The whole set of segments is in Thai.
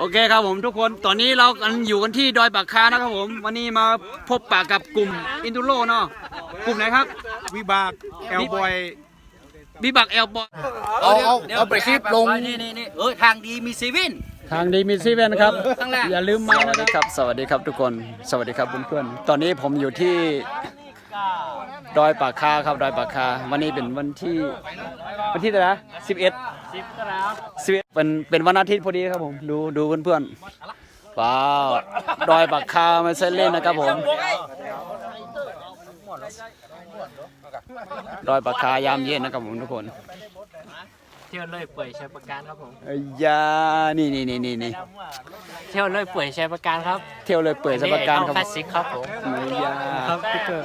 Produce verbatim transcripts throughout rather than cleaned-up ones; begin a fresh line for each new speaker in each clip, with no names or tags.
เคครับผมทุกคนตอนนี้เรากันอยู่กันที่ดอยปากคานะครับผมวันนี้มาพบปะกับกลุ่มอินดูโรเนาะกลุ่มไหนครับวิบากแอลบอยวิบากแอลบอย
เอาเอาเอาไปคลิปลง
นี่นี่นี่เออทางดีมีซีวิน
ทางดีมีซีเว่นครับ
ข้างล่าง
อย่าลืมมานะครับสวัสดีครับทุกคนสวัสดีครับเพื่อนๆตอนนี้ผมอยู่ที่ดอยปากคาครับดอยปากคาวันนี้เป็นวันที่วันที่เท่าไหร่นะสิบเอ็ดสิบครับสิบเอ็ดเป็นเป็นวันอาทิตย์พอดีครับผมดูดูเพื่อนๆว้าวดอยปากคาไม่ใช่เล่นนะครับผมดอยปากคายามเย็นนะครับผมทุกคน
เที่ยวเลยป่วยใช้ประกันครับผม
เอ้ยยานี่นี่นี่นี่นี่
เที่ยวเลยป่วยใช้ประกันครับ
เที่ยวเลยเปื่อยสะบัดการครับ
คลาสสิกครับผม
เอ้ยยา
ครับติ๊กเกอร์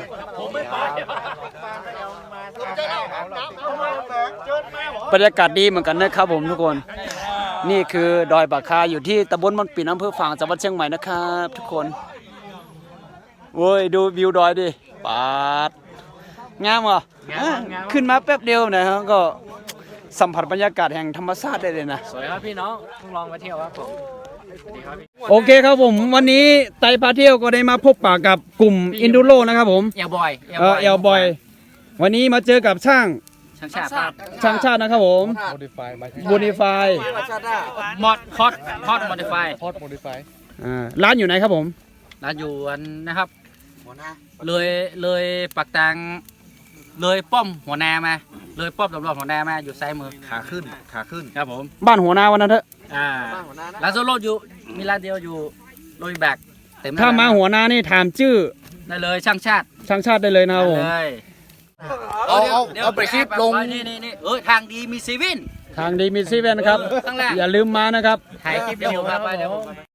บรรยากาศดีเหมือนกันนะครับผมทุกคน นี่คือดอยปากคาอยู่ที่ตำบลมันปิ่นอำเภอฝางจังหวัดเชียงใหม่นะครับทุกคนโว้ยดูวิวดอยดิปาดงามเหรอขึ้นมาแป๊บเดียวนะครับก็สัมผัสบรรยากาศแห่งธรรมชาติได้เลยนะ
สวยครับพี่น้องต้องลองมาเที่ยวครับผมสวัสดีครับพี่
โอเคครับผมวันนี้ไตพาเที่ยวก็ได้มาพบปะกับกลุ่มอินดูโรนะครับผม
เอลบอย
เออเอลบอยวันนี้มาเจอกับช่าง
ช่างชาติครับ
ช่างชาตินะครับผมบูนิฟาย
มอดคอสคอสมอดิฟาย
อ่าร้านอยู่ไหนครับผม
ร้านอยู่อันนะครับเลยเลยปักตังเลยป้อมหัวนามาเลยป้อมตำรวจหัวนามาอยู่ซ้ายมือ
ขาขึ้นขาขึ้น
ครับผม
บ้านหัวนาวันนั้นเถอะ
อ่าร้านโซโล่อยู่มีร้านเดียวอยู่โรยแบกเต็ม
ถ้ามาหัวนานี่ถามชื่อ
ได้เลยช่างชาติ
ช่างชาติได้เลยนะครับผม
ได้เลย
เอาเอาเอาไปคลิปลง
นี่นี่นี่เออทางดีมีซีวิน
ทางดีมีซีเว่นครับ
ข้างล่าง
อย่าลืมมานะครับ
ถ่ายคลิปเดียวครับไปเดี๋ยวผม